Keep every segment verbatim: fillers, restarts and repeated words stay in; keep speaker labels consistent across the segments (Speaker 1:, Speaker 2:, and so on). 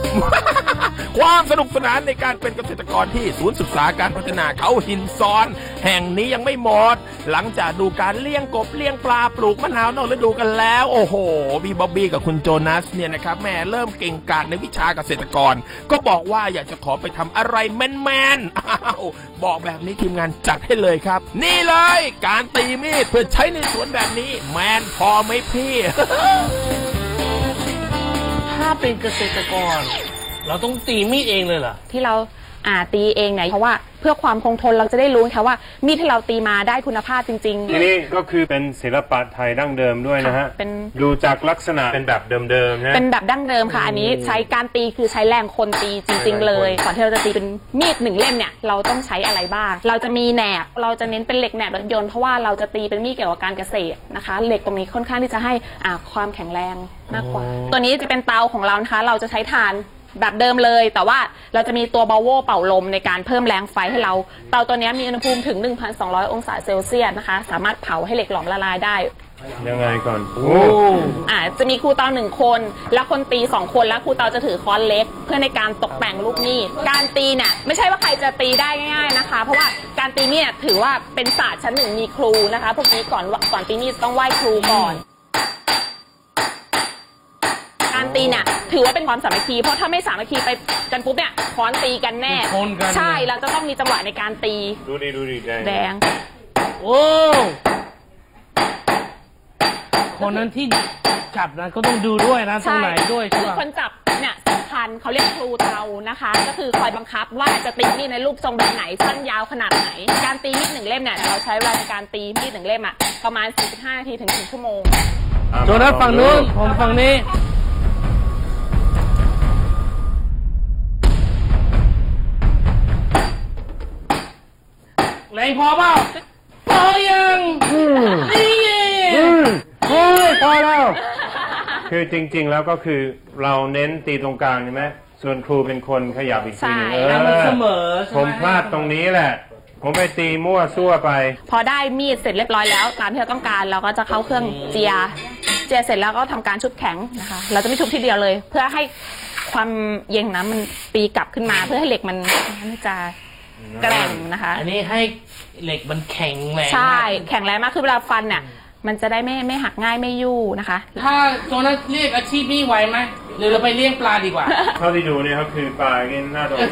Speaker 1: ความสนุกสนานในการเป็นเกษตรกรที่ศูนย์ศึกษาการพัฒนาเขาหินซ้อนแห่งนี้ยังไม่หมดหลังจากดูการเลี้ยงกบเลี้ยงปลาปลูกมะนาวนอกฤดูกันแล้วโอ้โหพี่บ๊อบบี้กับคุณโจนัสเนี่ยนะครับแม่เริ่มเก่งกาจในวิชาเกษตรกรก็บอกว่าอยากจะขอไปทำอะไรแมนๆอ้าวบอกแบบนี้ทีมงานจัดให้เลยครับนี่เลยการตีมีดเพื่อใช้ในสวนแบบนี้แมนพอไหมพี่
Speaker 2: ถ้าเป็นเกษตรกรเราต้องตีมีดเองเลยเหรอ
Speaker 3: ที่เราอ่าตีเองไหนเพราะว่าเพื่อความคงทนเราจะได้รู้ค่ะว่ามีดที่เราตีมาได้คุณภาพจริงๆ
Speaker 4: ทีนี้ก็คือเป็นศิลปะไทยดั้งเดิมด้วยนะฮะเป็นดูจากลักษณะเป็นแบบเดิมๆนะ
Speaker 3: เป็นแบบดั้งเดิมค่ะอันนี้ใช้การตีคือใช้แรงคนตีจริงๆเลยก่อนที่เราจะตีเป็นมีดหนึ่งเล่มเนี่ยเราต้องใช้อะไรบ้างเราจะมีแหนบเราจะเน้นเป็นเหล็กแหนบรถยนต์เพราะว่าเราจะตีเป็นมีดเกี่ยวกับการเกษตรนะคะเหล็กตรงนี้ค่อนข้างที่จะให้อ่าความแข็งแรงมากกว่าตัวนี้จะเป็นเตาของเรานะคะเราจะใช้ถ่านแบบเดิมเลยแต่ว่าเราจะมีตัวบาโวเป่าลมในการเพิ่มแรงไฟให้เราเตาตัวนี้มีอุณหภูมิถึง หนึ่งพันสองร้อย องศาเซลเซียสนะคะสามารถเผาให้เหล็กหลอมละลายได้
Speaker 4: ยังไงก่อนโอ้
Speaker 3: อ่าจะมีครูเตาหนึ่งคนและคนตีสองคนและครูเตาจะถือค้อนเล็กเพื่อในการตกแต่งลูกมีดการตีเนี่ยไม่ใช่ว่าใครจะตีได้ง่ายๆนะคะเพราะว่าการตีมีดถือว่าเป็นศาสตร์ชั้นหนึ่งมีครูนะคะพวกนี้ก่อนก่อนตีมีดต้องไหว้ครูก่อนการตีเนี่ยถือว่าเป็นความสามัคคีเพราะถ้าไม่สามัคคีไปกันปุ๊บเนี่ยค้อนตีกันแน่ใช่เราจะต้องมีจังหวะในการตี
Speaker 4: ดูดิดูดิแดง
Speaker 3: แดง
Speaker 2: โอ้คนนั้นที่จับนะก็ต้องดูด้วยนะตรงไหนด้วยใช่ไหม
Speaker 3: คนจับเนี่ยสำคัญเขาเรียกครูเตานะคะก็คือคอยบังคับว่าจะตีมีดในรูปทรงแบบไหนสั้นยาวขนาดไหนการตีมีดหนึ่งเล่มเนี่ยเราใช้เวลาในการตีมีดหนึ่งเล่มอะประมาณสี่สิบห้านาทีถึงหนึ่งชั่วโมง
Speaker 2: โจนัสฝั่งนู้นผมฝั่งนี้แรงพอเปล่าพอยังนี่
Speaker 4: โอ้ยพอแล้วคือจริงๆแล้วก็คือเราเน้นตีตรงกลางใช่ไหมส่วนครูเป็นคนขยับอีกทีนึงเออ
Speaker 2: มันเสมอ
Speaker 4: ผมพลาดตรงนี้แหละผมไปตีมั่วซั่วไป
Speaker 3: พอได้มีดเสร็จเรียบร้อยแล้วตามที่เราต้องการเราก็จะเข้าเครื่องเจียเจียเสร็จแล้วก็ทำการชุบแข็งนะคะเราจะไม่ชุบทีเดียวเลยเพื่อให้ความเย็นน้ำมันตีกลับขึ้นมาเพื่อให้เหล็กมันมันจะแกร่งนะคะ
Speaker 2: อันนี้ให้เหล็กมันแข็งแรง
Speaker 3: ใช่แข็งแรงมากคือเวลาฟันเนี่ยมันจะได้ไม่ไม่หักง่ายไม่ยู่นะคะ
Speaker 2: ถ้าโจนัสเรียกอาชีพนี้ไหวไหมหรือเราไปเลี้ยงปลาดีกว่า
Speaker 4: เท่าที่ดูเนี่ยครับคือปลาเงี้ยน่าโดน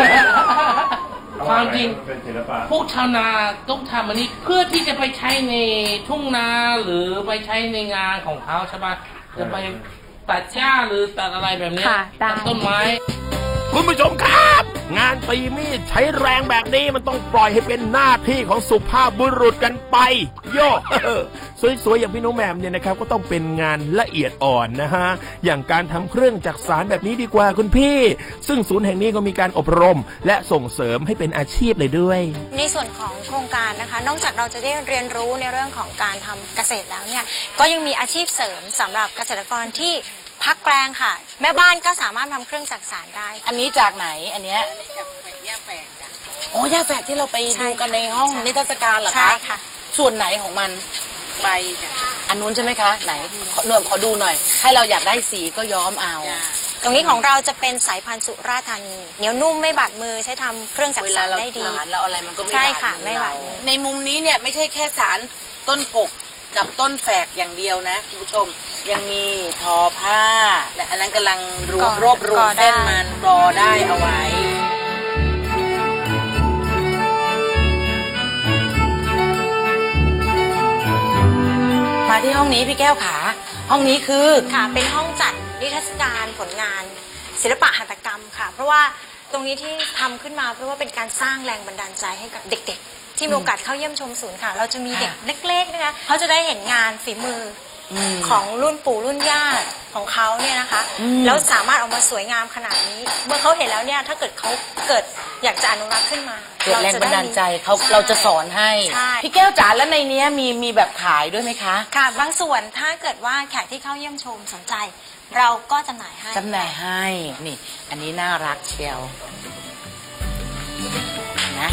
Speaker 2: ความจริง
Speaker 4: เป็นศิลปะ
Speaker 2: พวกชาวนาต้องทำอันนี้เพื่อที่จะไปใช้ในทุ่งนาหรือไปใช้ในงานของเขาใช่ปะจะไปตัดหญ้าหรือตัดอะไรแบบนี้ตัดต้นไม้
Speaker 1: คุณผู้ชมครับงานตีมีดใช้แรงแบบนี้มันต้องปล่อยให้เป็นหน้าที่ของสุภาพบุรุษกันไปโย่สวยๆอย่างพี่น้องแหม่มเนี่ยนะครับก็ต้องเป็นงานละเอียดอ่อนนะฮะอย่างการทำเครื่องจักสานแบบนี้ดีกว่าคุณพี่ซึ่งศูนย์แห่งนี้ก็มีการอบรมและส่งเสริมให้เป็นอาชีพเลยด้วย
Speaker 5: ในส่วนของโครงการนะคะนอกจากเราจะได้เรียนรู้ในเรื่องของการทำเกษตรแล้วเนี่ยก็ยังมีอาชีพเสริมสำหรับเกษตรกรที่พักแปลงค่ะแม่บ้านก็สามารถทำเครื่องจักสานได้
Speaker 6: อันนี้จากไหนอันเนี้ยจากย่าแฝกจ้ะโอ้ย่าแฝกที่เราไปดูกันในห้องนิทรรศการเหรอคะ
Speaker 5: ใช่ค่ะ
Speaker 6: ส่วนไหนของมัน
Speaker 5: ใบจ้ะ
Speaker 6: อันนู้นใช่ไหมคะไหนหน่วยขอดูหน่อยให้เราอยากได้สีก็ย้อมเอา
Speaker 5: ตรงนี้ของเราจะเป็นสายพันธุ์สุราษฎร์ธานีเหนียวนุ่มไม่บาดมือใช้ทำเครื่องจักสานได้ดี
Speaker 6: แล้วอะไรมันก็ไม่บาด
Speaker 5: ใช่ค่ะไม่บาดมือ
Speaker 6: ในมุมนี้เนี่ยไม่ใช่แค่สารต้นปกกับต้นแฝกอย่างเดียวนะคุณผู้ชมยังมีทอผ้าและอันนั้นกำลังรวบรวบรวมเส้นมันรอได้เอาไว้มาที่ห้องนี้พี่แก้วขาห้องนี้คือ
Speaker 5: ค่ะเป็นห้องจัดนิทรรศการผลงานศิลปะหัตถกรรมค่ะเพราะว่าตรงนี้ที่ทำขึ้นมาเพราะว่าเป็นการสร้างแรงบันดาลใจให้กับเด็กๆที่มีโอกาสเข้าเยี่ยมชมศูนย์ค่ะเราจะมีเด็กเล็กๆนะคะเขาจะได้เห็นงานฝีมือของรุ่นปู่รุ่นย่าของเขาเนี่ยนะคะแล้วสามารถออกมาสวยงามขนาดนี้เมื่อเขาเห็นแล้วเนี่ยถ้าเกิดเขาเกิดอยากจะอนุรักษ์ขึ้นมา
Speaker 6: เกิดแรงบันดาลใจเขาเราจะสอนให้พี่แก้วจ๋าแล้วในนี้มีมีแบบขายด้วยไหมคะ
Speaker 5: ค่ะบางส่วนถ้าเกิดว่าแขกที่เข้าเยี่ยมชมสนใจเราก็จำหน่ายให้
Speaker 6: จำหน่ายให้นี่อันนี้น่ารักเชียวนะ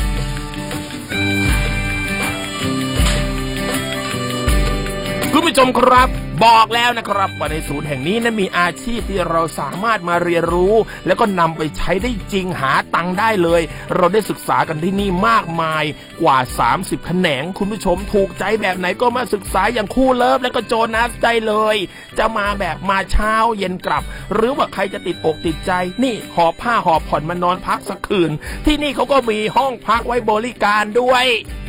Speaker 1: คุณผู้ชมครับบอกแล้วนะครับว่าในศูนย์แห่งนี้นั้นมีอาชีพที่เราสามารถมาเรียนรู้แล้วก็นำไปใช้ได้จริงหาตังค์ได้เลยเราได้ศึกษากันที่นี่มากมายกว่าสามสิบแขนงคุณผู้ชมถูกใจแบบไหนก็มาศึกษาอย่างคู่เลิฟแล้วก็โจนัสได้เลยจะมาแบบมาเช้าเย็นกลับหรือว่าใครจะติดอกติดใจนี่หอบผ้าหอบผ่อนมานอนพักสักคืนที่นี่เขาก็มีห้องพักไว้บริการด้วย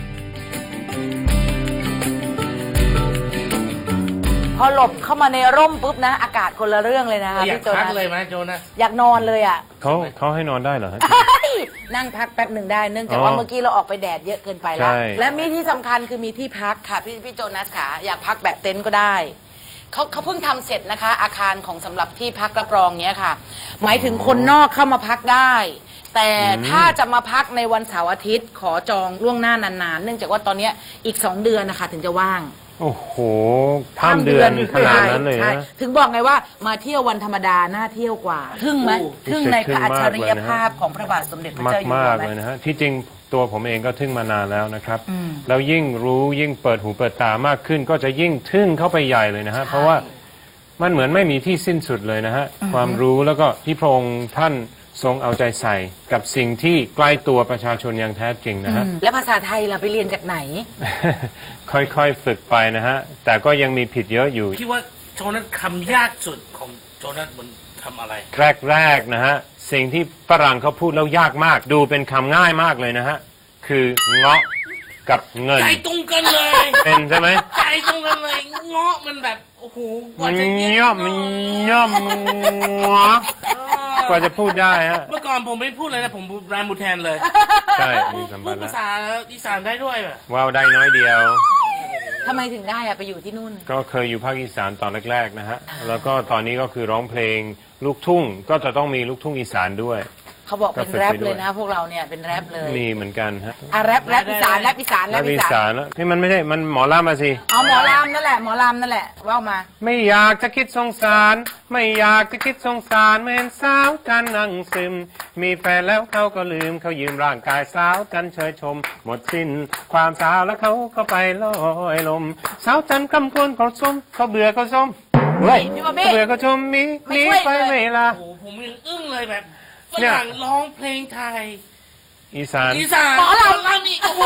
Speaker 6: พอหลบเข้ามาในร่มปุ๊บนะอากาศคนละเรื่องเลยนะคะ
Speaker 2: อยาก
Speaker 6: พี่โจ
Speaker 2: พัก
Speaker 6: นัส
Speaker 2: เลยไหมโจนัส
Speaker 6: อยากนอนเลยอ่ะ
Speaker 4: เขาเขาให้นอนได้เหรอฮะ
Speaker 6: นั่งพักแป๊บหนึ่งได้เนื่องจากว่า
Speaker 4: อ๋อ
Speaker 6: เมื่อกี้เราออกไปแดดเยอะเกินไป
Speaker 4: ใช่
Speaker 6: แล้วและมีที่สำคัญคือมีที่พักค่ะพี่พี่โจนัสค่ะอยากพักแบบเต็นท์ก็ได้เขาเขาเพิ่งทำเสร็จนะคะ อาคารของสำหรับที่พักรับรองเนี้ยค่ะ หมายถึงคนนอกเข้ามาพักได้ แต่ถ้าจะมาพักในวันเสาร์อาทิตย์ขอจองล่วงหน้านานๆ เนื่องจากว่าตอนเนี้ยอีกสองเดือนนะคะถึงจะว่าง
Speaker 4: โอ้โหข้ามเดือนขนาดนั้นเลย
Speaker 6: ใช่
Speaker 4: นะ
Speaker 6: ถึงบอกไงว่ามาเที่ยววันธรรมดาน่าเที่ยวกว่าทึ่งไหมทึ่งในพระอัจฉริยภาพของพระบาทสมเด็จพระ
Speaker 4: มาก
Speaker 6: เจ้าอยู่
Speaker 4: มา
Speaker 6: หั
Speaker 4: ก
Speaker 6: วไหม
Speaker 4: เลยนะฮะที่จริงตัวผมเองก็ทึ่งมานานแล้วนะครับ
Speaker 6: อืม
Speaker 4: แล้วยิ่งรู้ยิ่งเปิดหูเปิดตามากขึ้น ก็จะยิ่งทึ่งเข้าไปใหญ่เลยนะฮะเพราะว่ามันเหมือนไม่มีที่สิ้นสุดเลยนะฮะความรู้แล้วก็ที่พระองค์ท่านทรงเอาใจใส่กับสิ่งที่ใกล้ตัวประชาชนอย่างแท้จริงนะฮะ
Speaker 6: แล้วภาษาไทยล่ะไปเรียนจากไหน
Speaker 4: ค่อยๆฝึกไปนะฮะแต่ก็ยังมีผิดเยอะอยู่
Speaker 2: คิดว่าโจนัสคำยากสุดของโจนัสบนทำอะไร
Speaker 4: แรกๆนะฮะสิ่งที่ฝรั่งเขาพูดแล้วยากมากดูเป็นคำง่ายมากเลยนะฮะคือเงาะกับเงิน
Speaker 2: ใจตรงกันเลย
Speaker 4: เป็นใช่ไหม
Speaker 2: ใจตรงกันเลยเงาะมันแบบโอ้โหกว่า
Speaker 4: มัน
Speaker 2: จะเย็น
Speaker 4: ย่อมมันย่อมเงาะกว่าจะพูดได้ฮะ
Speaker 2: เมื่อก่อนผมไม่พูดเลยนะผมแรมบูแทนเลย
Speaker 4: ใช่มีสัม
Speaker 2: พู
Speaker 4: พั
Speaker 2: ด
Speaker 4: นธ์แล้
Speaker 2: ภาว ษาอีสานได้ด้วยแบบ
Speaker 4: ว้าวได้น้อยเดียว
Speaker 6: ทำไมถึงได้อะไปอยู่ที่นู่น
Speaker 4: ก็เคยอยู่ภาคอีสานตอนแรกๆนะฮะแล้วก็ตอนนี้ก็คือร้องเพลงลูกทุ่งก็จะต้องมีลูกทุ่งอีสานด้วย
Speaker 6: เขาบอกเป็น
Speaker 4: ก็ฝึก
Speaker 6: แรป
Speaker 4: ไปด้วย
Speaker 6: เลยนะ พวกเราเนี่ยเป็นแรปเลย
Speaker 4: มีเหมือนกันฮะ
Speaker 6: อ่ะแรปแรปอีสานแรปอีสานแร
Speaker 4: แล้ว
Speaker 6: ปอี
Speaker 4: อี
Speaker 6: สาน
Speaker 4: สานแล้วนี่มันไม่ใช่มันหมอลำมาสิ
Speaker 6: เอาหมอลำนั่นแหละหมอลำนั่นแหละว่ามา
Speaker 4: ไม่อยากจะคิดสงสาร ไม่อยากจะคิดสงสารเมื่อเห็นสาวจันนั่งซึม มีแฟนแล้วเขาก็ลืมเขายืมร่างกายสาวจันเชยชม หมดสิ้นความสาวแล้วเขาก็ไปลอยลม สาวจันคำควรเขาส้มเขาเบื่อเขาส้มเฮ้ย
Speaker 6: พี่บอบบี้
Speaker 4: เขาเบื่อเขาชมมี
Speaker 6: ไม่
Speaker 4: หนี
Speaker 6: ช่วย
Speaker 4: ไป
Speaker 6: เลย
Speaker 4: ไม่ละ
Speaker 2: โอ้โหผมยังอึ้งเลยแบบฝ
Speaker 4: เนี่ย
Speaker 2: รั่งร้องเพลงไทย
Speaker 4: อีสาน
Speaker 2: อีสาน
Speaker 6: หมอลำ
Speaker 2: ลำอีกโอ้โห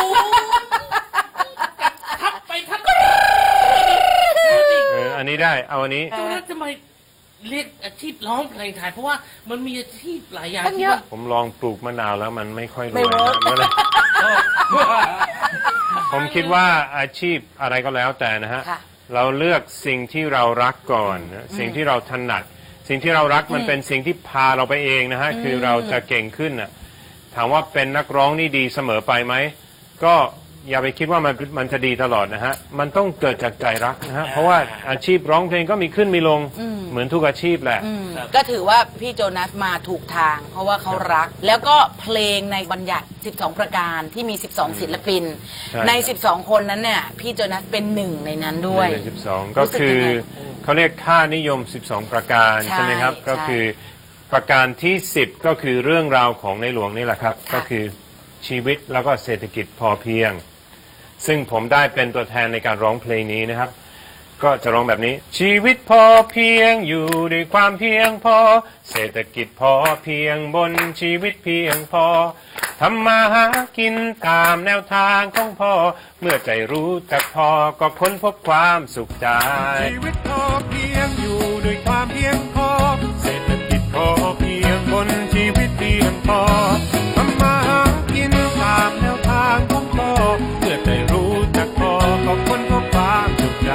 Speaker 2: ทับไปทับไป
Speaker 4: เอออันนี้ได้เอาอันนี้
Speaker 2: โจนัสทำไมเรียกอาชีพร้องเพลงไทยเพราะว่ามันมีอาชีพหลายอย่าง
Speaker 6: ตั้ง
Speaker 2: ที่
Speaker 6: เยอะ
Speaker 4: ผมลองปลูกมะนาวแล้วมันไม่ค่อยร
Speaker 6: ไม่
Speaker 4: วย
Speaker 6: เวิร์ก
Speaker 4: นะก็เลย
Speaker 2: ว่า
Speaker 4: ผมคิดว่าอาชีพอะไรก็แล้วแต่นะฮะ
Speaker 6: ค่ะ
Speaker 4: เราเลือกสิ่งที่เรารักก่อนนะสิ่งที่เราถนัด สิ่งที่เรารักมันเป็นสิ่งที่พาเราไปเองนะฮะ คือเราจะเก่งขึ้นน่ะถามว่าเป็นนักร้องนี่ดีเสมอไปไหม ก็อย่าไปคิดว่ามันมันจะดีตลอดนะฮะ มันต้องเกิดจากใจรักนะฮะ เพราะว่าอาชีพร้องเพลงก็มีขึ้นมีลง เหมือนทุกอาชีพแหละ
Speaker 6: อืมก็ถือว่าพี่โจนัสมาถูกทาง เพราะว่าเขารัก แล้วก็เพลงในบัญญัติ สิบสอง ประการที่มี สิบสอง ศิลปิน
Speaker 4: ใช่
Speaker 6: ใน สิบสอง คนนั้นเนี่ยพี่โจนัสเป็นหนึ่งในนั้นด้วย
Speaker 4: หนึ่งในสิบสองก็คือเขาเรียกค่านิยม สิบสอง ประการ
Speaker 6: ใช่
Speaker 4: ใช่ไหมครับ
Speaker 6: ใช่
Speaker 4: ก็คือประการที่ สิบ ก็คือเรื่องราวของในหลวงนี่แหละครับ
Speaker 6: ค่ะ
Speaker 4: ก็คือชีวิตแล้วก็เศรษฐกิจพอเพียง ซึ่งผมได้เป็นตัวแทนในการร้องเพลงนี้นะครับ ก็จะร้องแบบนี้ ชีวิตพอเพียงอยู่ด้วยความเพียงพอ เศรษฐกิจพอเพียงบนชีวิตเพียงพอทำมาหากินตามแนวทางของพ่อ เมื่อใจรู้จักพอก็ค้นพบความสุขใจ ชีวิตพอเพียงอยู่ด้วยความเพียงพอ เศรษฐกิจพอเพียงบนชีวิตเพียงพอทำมาหากินตามแนวทางของพ่อ เมื่อใจรู้จักพอก็ค้นพบความสุขใจ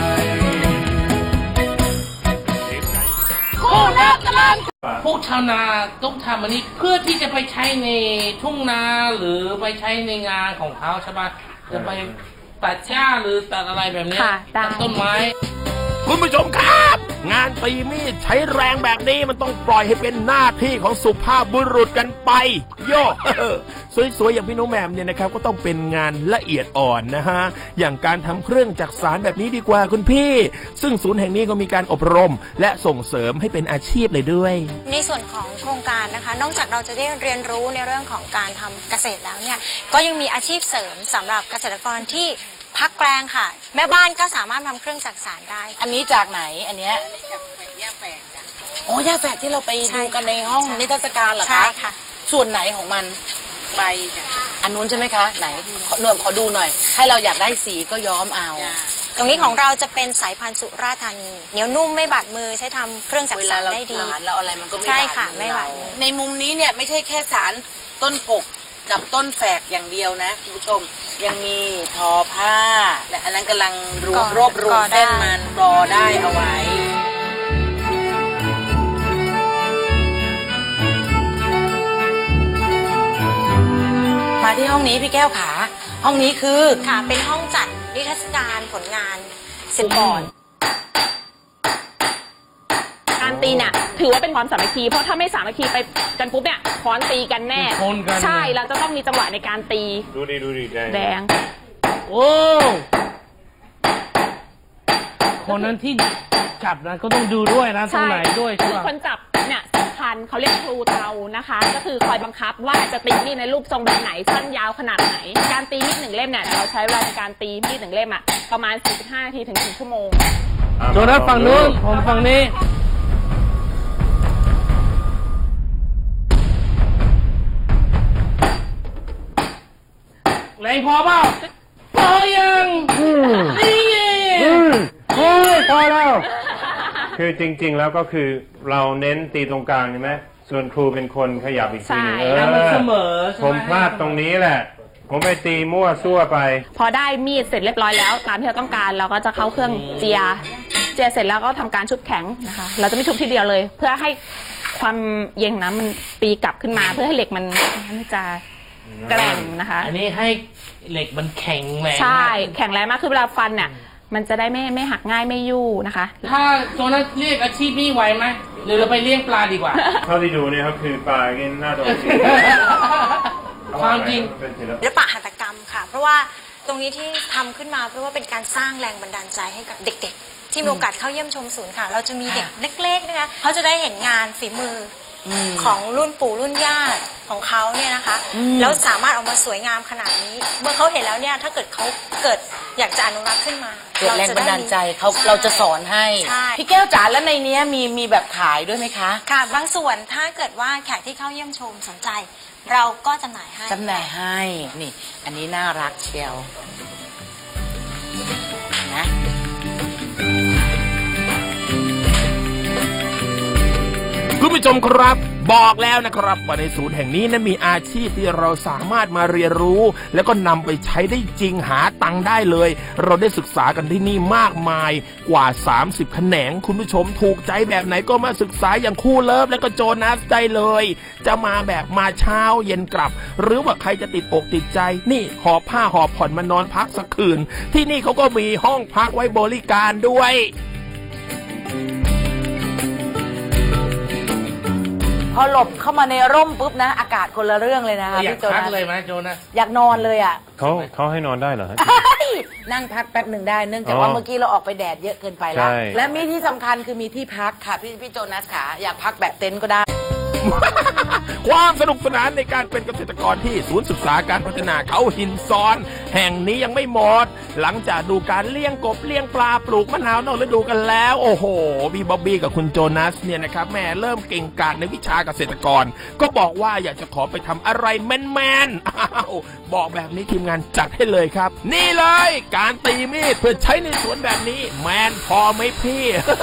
Speaker 2: พวกชาวนาต้องทำอันนี้เพื่อที่จะไปใช้ในทุ่งนาหรือไปใช้ในงานของเขาใช่ปะจะไปตัดหญ้าหรือตัดอะไรแบบเนี้ย
Speaker 3: ค่ะได้
Speaker 2: ตัดต้นไม้
Speaker 1: คุณผู้ชมครับ งานตีมีดใช้แรงแบบนี้มันต้องปล่อยให้เป็นหน้าที่ของสุภาพบุรุษกันไป โย่ สวยๆอย่างพี่น้องแหม่มเนี่ยนะครับก็ต้องเป็นงานละเอียดอ่อนนะฮะอย่างการทำเครื่องจักสานแบบนี้ดีกว่าคุณพี่ ซึ่งศูนย์แห่งนี้ก็มีการอบรม และส่งเสริมให้เป็นอาชีพเลยด้วย
Speaker 5: ในส่วนของโครงการนะคะ นอกจากเราจะได้เรียนรู้ในเรื่องของการทำเกษตรแล้วเนี่ยก็ยังมีอาชีพเสริมสำหรับเกษตรกรที่พักแปลงค่ะ แม่บ้านก็สามารถทำเครื่องจักสานได้
Speaker 6: อันนี้จากไหนอันเนี้ยโอ้ย่าแฝกที่เราไปดูกันในห้องนิทรรศการเหรอ
Speaker 5: ใช่
Speaker 6: คะ
Speaker 5: ค่ะ
Speaker 6: ส่วนไหนของมันใบอันนู้นใช่ไหมคะไหนขอหน่วยขอดูหน่อย ให้เราอยากได้สีก็ย้อมเอา
Speaker 5: ตรงนี้ของเราจะเป็นสายพันธุ์สุราษฎร์ธานีเหนียวนุ่มไม่บาดมือใช้ทำเครื่องจัก
Speaker 6: เว
Speaker 5: สา
Speaker 6: ลาน เรา
Speaker 5: ได้ดี
Speaker 6: สารเราอะไรมันก็ไม่
Speaker 5: ใช่
Speaker 6: บาด
Speaker 5: ค่ะ
Speaker 6: มือ
Speaker 5: ไม่บาด
Speaker 6: เรา
Speaker 5: มือ
Speaker 6: ในมุมนี้เนี่ยไม่ใช่แค่สารต้นกกกับต้นแฝกอย่างเดียวนะคุณผู้ชมยังมีทอผ้าและอันนั้นกำลังรวบรวบรวมเส้นมันรอได้เอาไว้ มาที่ห้องนี้พี่แก้วขาห้องนี้คือ
Speaker 5: ค่ะเป็นห้องจัดนิทรรศการผลงานศิลปะ
Speaker 3: การตีเนี่ยถือว่าเป็นความสามัคคีเพราะถ้าไม่สามัคคีไปกันปุ๊บเนี่ยค้อนตีกันแน่
Speaker 2: ชนกัน
Speaker 3: ใช่เราจะต้องมีจังหวะในการตี
Speaker 4: ดูดิดูดิแดง
Speaker 3: แดง
Speaker 2: โอ้คนนั้นที่จับนะก็ต้องดูด้วยนะตรงไหนด้วยใช่
Speaker 3: คือ
Speaker 2: ปะ
Speaker 3: คนจับเนี่ยสำคัญเขาเรียกครูเตานะคะ ก็คือคอยบังคับว่าจะตีมีดในรูปทรงแบบไหนสั้นยาวขนาดไหน การตีมีดหนึ่งเล่มเนี่ยเราใช้เวลาในการตีมีดหนึ่งเล่มอะประมาณสี่สิบห้านาทีถึงหนึ่งชั่วโมง
Speaker 4: อ่ะ
Speaker 2: โจนัสฝั่งนู้นผมฝั่งนี้แรงพอเปล่าพอยังนี่ไง
Speaker 4: โอ้ยพอแล้ว คือจริงๆแล้วก็คือเราเน้นตีตรงกลางใช่ไหมส่วนครูเป็นคนขยับอีกทีหนึง
Speaker 3: ใช่
Speaker 4: เอ
Speaker 2: แล้วมันเสม
Speaker 4: อ
Speaker 2: อใช่ไห
Speaker 4: ผมพลาดตรงนี้แหละ ผมไปตีมั่วซั่วไป
Speaker 3: พอได้มีดเสร็จเรียบร้อยแล้วตามที่เราต้องการเราก็จะเข้าเครื่องเจียเจียเสร็จแล้วก็ทำการชุบแข็งนะคะ เราจะไม่ชุบทีเดียวเลย เพื่อให้ความเย็นน้ำมันตีกลับขึ้นมา เพื่อให้เหล็กมันมันจะแกร่งนะคะ
Speaker 2: อันนี้ให้เหล็กมันแข็งแรง
Speaker 3: ใช่
Speaker 2: มาก
Speaker 3: แข็งแรงมากคือเวลาฟันเนี่ยมันจะได้ไม่ไม่หักง่ายไม่ยู่นะคะ
Speaker 2: ถ้าโจนัสเรียกอาชีพนี้ไหวไหมหรือเราไปเลี้ยงปลาดีกว่า
Speaker 4: เท่าที่ดูเนี่ยครับคือปลากินหน้าโดนตี
Speaker 2: ความจริง
Speaker 4: เป็นศิลปะ
Speaker 5: ศิลปะหัตถกรรมค่ะ เพราะว่าตรงนี้ที่ทำขึ้นมาเพราะว่าเป็นการสร้างแรงบันดาลใจให้กับเด็กๆ ที่มีโอกาสเข้าเยี่ยมชมศูนย์ค่ะ เราจะมีเด็กเล็กๆนะคะเขาจะได้เห็นงานฝีมืออของรุ่นปู่รุ่นย่าของเขาเนี่ยนะคะแล้วสามารถออกมาสวยงามขนาดนี้ เมื่อเขาเห็นแล้วเนี่ยถ้าเกิดเขาเกิดอยากจะอนุรักษ์ขึ้นมา
Speaker 6: เกิดแรงบันดาลใจเขา
Speaker 5: ช่
Speaker 6: เราจะสอนให้
Speaker 5: ใช่
Speaker 6: พี่แก้วจ๋าแล้วในเนี้ยมีมีแบบขายด้วยไหมคะ
Speaker 5: ค่ะบางส่วนถ้าเกิดว่าแขกที่เข้าเยี่ยมชมสนใจ เราก็จำหน่ายให้
Speaker 6: จำหน่ายให้นี่ อันนี้น่ารักเชียวนะ
Speaker 1: คุณผู้ชมครับบอกแล้วนะครับว่าในศูนย์แห่งนี้นั้นมีอาชีพที่เราสามารถมาเรียนรู้ แล้วก็นำไปใช้ได้จริงหาตังค์ได้เลย เราได้ศึกษากันที่นี่มากมายกว่าสามสิบแขนงคุณผู้ชมถูกใจแบบไหนก็มาศึกษาอย่างคู่เลิฟแล้วก็โจนัสได้เลย จะมาแบบมาเช้าเย็นกลับ หรือว่าใครจะติดอกติดใจนี่หอบผ้าหอบผ่อนมานอนพักสักคืนที่นี่เขาก็มีห้องพักไว้บริการด้วย
Speaker 6: พอหลบเข้ามาในร่มปุ๊บนะ อากาศคนละเรื่องเลยนะคะ
Speaker 2: อยาก
Speaker 6: พี่โจ
Speaker 2: พัก
Speaker 6: นัส
Speaker 2: เลยไหมโจนัส
Speaker 6: อยากนอนเลยอ่ะ
Speaker 4: เขาเขาให้นอนได้เหรอฮะ
Speaker 6: นั่งพักแป๊บหนึ่งได้เนื่องจาก
Speaker 4: อ๋อ
Speaker 6: ว่าเมื่อกี้เราออกไปแดดเยอะเกินไปแล้ว
Speaker 4: ใช่
Speaker 6: และมีที่สำคัญคือมีที่พักค่ะพี่พี่โจนัสขาอยากพักแบบเต็นท์ก็ได้
Speaker 1: ความสนุกสนานในการเป็นเกษตรกรที่ศูนย์ศึกษาการพัฒนาเขาหินซ้อน แห่งนี้ยังไม่หมด หลังจากดูการเลี้ยงกบเลี้ยงปลาปลูกมะนาวนอกฤดูกันแล้ว โอ้โหพี่บ๊อบบี้กับคุณโจนัสเนี่ยนะครับแม่เริ่มเก่งกาจในวิชาเกษตรกร ก็บอกว่าอยากจะขอไปทำอะไรแมนๆอ้าวบอกแบบนี้ทีมงานจัดให้เลยครับ นี่เลยการตีมีดเพื่อใช้ในสวนแบบนี้แมนพอไหมพี่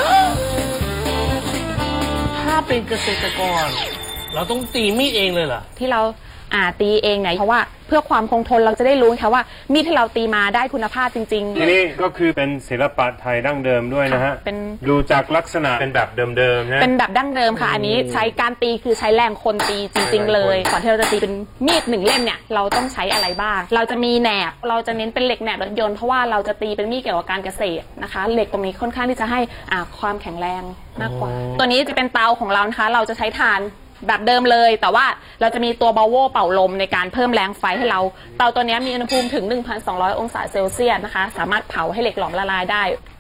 Speaker 2: ถ้าเป็นเกษตรกร เราต้องตีมีดเองเลยเหรอ
Speaker 3: ที่เราอ่าตีเองเนี่ยเพราะว่าเพื่อความคงทนเราจะได้รู้ค่ะว่ามีดที่เราตีมาได้คุณภาพจริงๆ
Speaker 4: ทีนี้ก็คือเป็นศิลปะไทยดั้งเดิมด้วยนะฮะ
Speaker 3: เป็น
Speaker 4: ดูจากลักษณะเป็นแบบเดิมๆนะ
Speaker 3: เป็นแบบดั้งเดิมค่ะ อันนี้ใช้การตีคือใช้แรงคนตีจริง ๆ เลย ก่อนที่เราจะตีเป็นมีดหนึ่งเล่มเนี่ยเราต้องใช้อะไรบ้าง เราจะมีแหนบเราจะเน้นเป็นเหล็กแหนบรถยนต์เพราะว่าเราจะตีเป็นมีดเกี่ยวกับการเกษตรนะคะ เหล็กตรงนี้ค่อนข้างที่จะให้อ่าความแข็งแรงมากกว่า ตัวนี้จะเป็นเตาของเรานะคะ เราจะใช้ถ่านแบบเดิมเลย แต่ว่าเราจะมีตัวบาโวเป่าลมในการเพิ่มแรงไฟให้เรา เตาตัวนี้มีอุณหภูมิถึง หนึ่งพันสองร้อย องศาเซลเซียสนะคะ สามารถเผาให้เหล็กหลอมละลายได้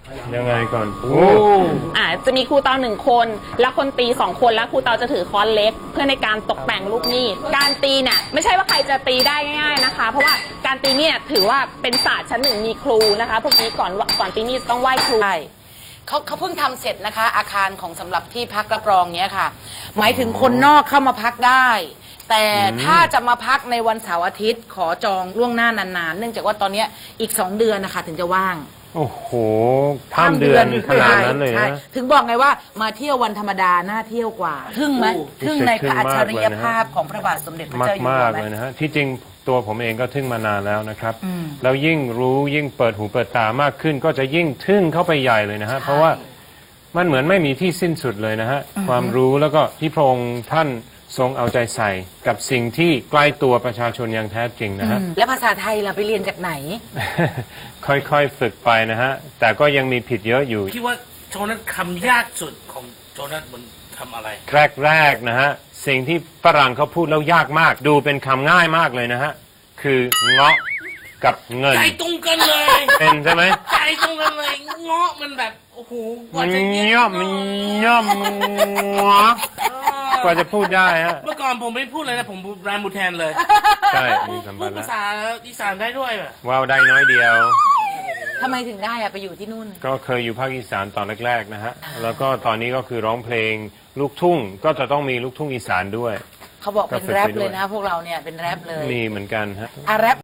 Speaker 4: ยังไงก่อน
Speaker 2: โอ้
Speaker 3: อ่าจะมีครูเตาหนึ่งคน แล้วคนตีสองคนแล้วครูเตาจะถือค้อนเล็ก เพื่อในการตกแต่งลูกมีดการตีเนี่ยไม่ใช่ว่าใครจะตีได้ง่ายๆนะคะ เพราะว่าการตีเนี่ยถือว่าเป็นศาสตร์ชั้นหนึ่งมีครูนะคะพวกนี้ก่อนก่อนตีมีดต้องไหว้ครู
Speaker 6: ใช่เขาเขาเพิ่งทำเสร็จนะคะ อาคารของสำหรับที่พักรับรองเนี้ยค่ะ หมายถึงคนนอกเข้ามาพักได้ แต่ถ้าจะมาพักในวันเสาร์อาทิตย์ขอจองล่วงหน้านานๆ เนื่องจากว่าตอนเนี้ยอีกสองเดือนนะคะถึงจะว่าง
Speaker 4: โอ้โหข้ามเดือนขนาดนั้นเลย
Speaker 6: ใช่
Speaker 4: นะ
Speaker 6: ถึงบอกไงว่ามาเที่ยววันธรรมดาน่าเที่ยวกว่าทึ่งไหมทึ่งในพระอัจฉริยภาพของพระบาทสมเด็จพระ
Speaker 4: มาก
Speaker 6: เจ้าอยู่
Speaker 4: มา
Speaker 6: หัว
Speaker 4: ก
Speaker 6: ไหม
Speaker 4: เลยนะฮะที่จริงตัวผมเองก็ทึ่งมานานแล้วนะครับ
Speaker 6: อืม
Speaker 4: แล้วยิ่งรู้ยิ่งเปิดหูเปิดตามากขึ้น ก็จะยิ่งทึ่งเข้าไปใหญ่เลยนะฮะเพราะว่ามันเหมือนไม่มีที่สิ้นสุดเลยนะฮะความรู้แล้วก็ที่พระองค์ท่านทรงเอาใจใส่กับสิ่งที่ใกล้ตัวประชาชนอย่างแท้จริงนะฮะ
Speaker 6: แล้วภาษาไทยเราไปเรียนจากไหน
Speaker 4: ค่อยๆฝึกไปนะฮะแต่ก็ยังมีผิดเยอะอยู่
Speaker 2: คิดว่าโจนัสคำยากสุดของโจนัสมันคำอะไร
Speaker 4: แรกๆนะฮะสิ่งที่ฝรั่งเขาพูดแล้วยากมากดูเป็นคำง่ายมากเลยนะฮะคือเงาะกับเงิน
Speaker 2: ใจตรงกันเลย
Speaker 4: เป็นใช่ไหม
Speaker 2: ใจตรงกันเลยเงาะมันแบบโอ้โหกว่า
Speaker 4: มัน
Speaker 2: จะเย็น
Speaker 4: ย่อมมันย่อมงอกว่าจะพูดได้ฮะ
Speaker 2: เมื่อก่อนผมไม่พูดเลยนะผมรานบูแทนเลย
Speaker 4: ใช่มีสัม
Speaker 2: พู
Speaker 4: พั
Speaker 2: ด
Speaker 4: นธ์
Speaker 2: ภา
Speaker 4: แล้ว
Speaker 2: ษาอีสานได้ด้วยแบบ
Speaker 4: ว่าวได้น้อยเดียว
Speaker 6: ทำไมถึงได้อะไปอยู่ที่นู่น
Speaker 4: ก็เคยอยู่ภาคอีสานตอนแรกๆนะฮะแล้วก็ตอนนี้ก็คือร้องเพลงลูกทุ่งก็จะต้องมีลูกทุ่งอีสานด้วย
Speaker 6: เขาบอกเป็น
Speaker 4: ก็ฝึก
Speaker 6: แรป
Speaker 4: ไปด้วย
Speaker 6: เลยนะ พวกเราเนี่ยเป็นแรปเลย
Speaker 4: มีเหมือนกันฮะ
Speaker 6: อ่ะแรป